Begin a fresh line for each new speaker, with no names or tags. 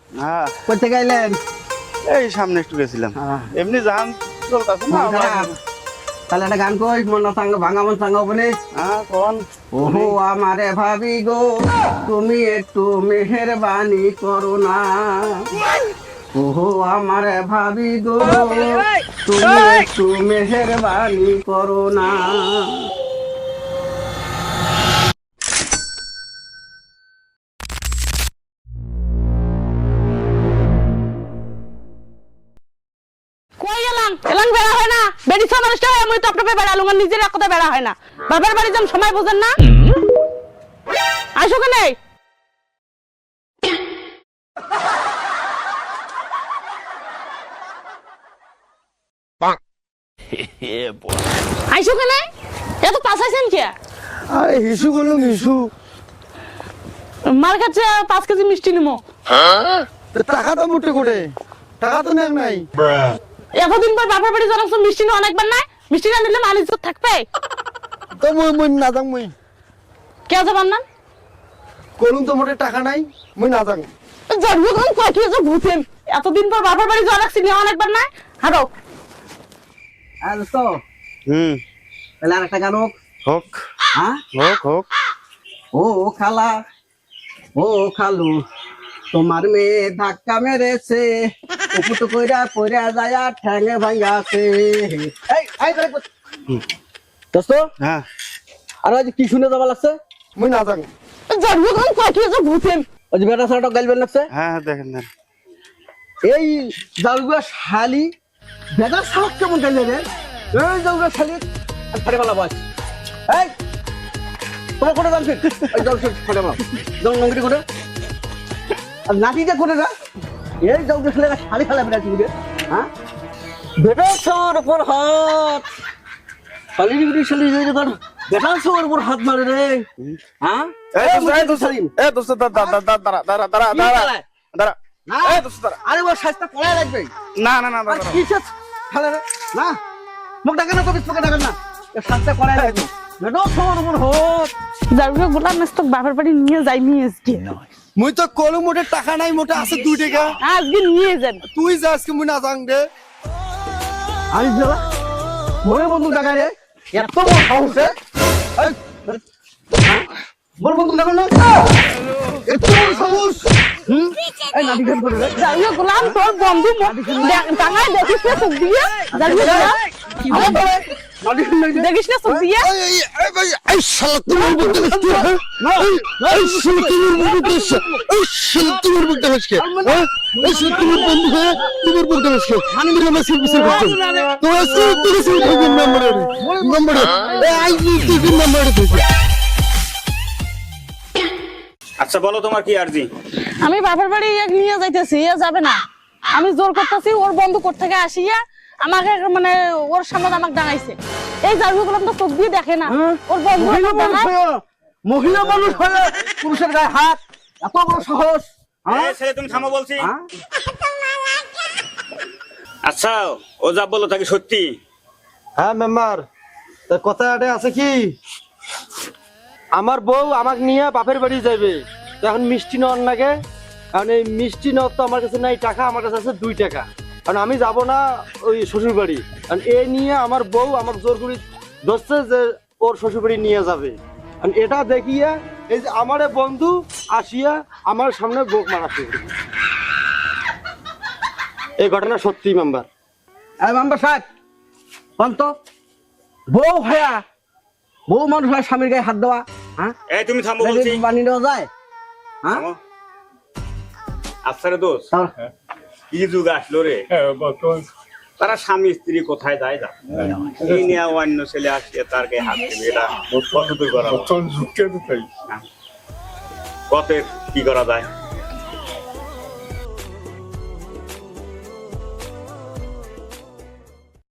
হ্যাঁ
করতে গেলেন?
এই সামনে একটু গেছিলাম, এমনি জান চলতেছে না।
তাহলে একটা গান কই, মন সাঙ্গ ভাঙা মন সাঙ্গ বলে।
হ্যাঁ কোন?
ওহো আমারে ভাবি গো, তুমি একটু মেহেরবানি করো না। ওহো আমারে ভাবি গো, তুমি একটু মেহেরবানি করো না।
কই গেলাম? এলাম বেড়া হয় না, বেরিয়েছে মানুষটা হয়, আমি তো আপনাকে বেড়ালুম, আর নিজের এক কথা বেড়া হয় না। বাবার বাড়ি যাম, সময় বোঝেন না। আসো কেনে? আইসো কেনে? এত পাশাইছেন কে?
আরে হিসু বলুন হিসু।
মার কাছে 5 কেজি মিষ্টি নিমো।
টাকা তো মুটে করে, টাকা তো নেই নাই।
এতদিন পর বাবার বাড়ি যাচ্ছ, মিষ্টি নিয়ে অনেকবার নাই, মিষ্টি না নিলে মালিশ থাকবে।
তো মই না যাং, মই
কে যাবার না?
করুন তো মোটে টাকা নাই, মই না যাং।
জন্ম তখন কয় কি যে ভূতেন, এতদিন পর বাবার বাড়ি যাওয়া রাখছি নিয়ে অনেকবার নাই। হারো
আর তো তাহলে আর একটা গান হোক।
হোক
হ্যাঁ
হোক হোক।
ও খালা, ও খালু, তোমার মেয়ে ধাক্কা মেরেছে, উপুটু কইরা পইরা যায়া ঠ্যাঙে ভাঙাছে। দোস্ত,
হ্যাঁ
আর আজ কি শুনে যাওয়া লাগছে?
মই না যাং।
জন্ম তখন কয় কি যে ভূতেন।
ওই যে বেটা ছাড়াটা গাইলবেন লাগছে।
হ্যাঁ হ্যাঁ দেখেন দেন।
এই জালগুয়া শালি বেটা সাপ কেমন গাইলে রে? এই জালগুয়া শালি ফাড়ে মালা বস। এই তোমার করে যান ফির, এই জল ফাড়ে মালা জল নঙ্গি করে আর নাতিটা করে না। এই জালগুয়া শালি শালি খেলা বেড়াচ্ছি বুঝে। হ্যাঁ বেটা সর উপর হাত, শালি বিড়ি শালি বেটা সর উপর হাত মারে রে। হ্যাঁ
দোস্ত দাঁড়া দাঁড়া দাঁড়া দাঁড়া দাঁড়া দাঁড়া।
আরে ওর সাজটা পড়ায় লাগবে।
না না না
আর কি সাজ খেলে রে? না মুখ ডাকেন না, কবিস মুখে ডাকেন না, সাজটা পড়ায় লাগবে। বেটা সর উপর হাত।
জারুকে গোলাম মেস্তক বাবার বাড়ি নিয়ে যাই, নিয়ে আজকে
মুই তো কলম মোটে টাকা নাই, মোটে আছে 2 টাকা।
আজকে নিয়ে যান।
তুই যা আজকে মুই না যাং রে।
আমি যাবা মনে বন্ধু ডাকা রে, এত বড় সাহস রে। এই বল বন্ধু ডাকেন না, এত বড় সাহস। এই নাটি ঘাট করে রে।
জারুকে গোলাম তোর বন্ধু টাঙায় দেখিস না চোখ দিয়ে। জারুকে গোলাম
নাটি ঘাট লাগে।
দেখিস না চোখ দিয়ে।
এই শালা তোমার বলতে হচ্ছে, এই শালা তোমার বলতে হচ্ছে, এই শালা তোমার বলতে হচ্ছে, এই শালা তোমার বন্ধু হয়ে তোমার বলতে হচ্ছে। আমি না সে বিচার করতে তো আজকে তুই সেই নম্বরে এই আই তুই নম্বরে দিছিস।
আচ্ছা বলো তোমার কি আরজি?
আমি বাবার বাড়ি নিয়ে যাইতেছি, এ যাবে না। আমি জোর করতেছি, ওর বন্ধু কোথা থেকে আসিয়া আমাকে মানে ওর সামনে আমাকে ডাঙাইছে। এই জারুকে গোলাম তো চোখ দিয়ে দেখে না, ওর বন্ধু
মহিলা
আমাকে
মানুষ
ডাঙায়।
হয়ে, মহিলা মানুষ হয়ে পুরুষের গায়ে হাত, এত বড় সাহস।
এই ছেলে তুমি থামো বলছি।
হ্যাঁ?
আচ্ছা ও যা বলো তাকে সত্যি?
হ্যাঁ মেম্বার, কথা আছে কি, আমার বউ আমাকে নিয়ে বাপের বাড়ি যাবে, এখন মিষ্টি নেওয়ার লাগে। কারণ এই মিষ্টি নেওয়ার তো আমার কাছে নাই টাকা, আমার কাছে আছে 2 টাকা। কারণ আমি যাব না ওই শ্বশুর বাড়ি, কারণ এ নিয়ে আমার বউ আমাকে জোর করে ধরছে যে ওর শ্বশুর বাড়ি নিয়ে যাবে। কারণ এটা দেখিয়ে এই যে আমার বন্ধু আসিয়া আমার সামনে বোক মারা শুরু করবে। এই ঘটনা সত্যি মেম্বার।
এই মেম্বার সাহেব বন্ত, বউ হয়া বউ মানুষ হয় স্বামীর গায়ে হাত দেওয়া, হ্যাঁ
এই তুমি থামো বলছি।
বানিয়ে দেওয়া যায়? হ্যাঁ
থামো। আচ্ছা রে দোষ,
তাহলে-
কি যুগ আসলো রে, তারা স্বামী স্ত্রী কোথায় যায় যা এই নিয়ে অন্য ছেলে আসছে তার গায়ে হাত দেবে, এটা কত দূর করা যায়? হ্যাঁ। কতের কি করা যায়?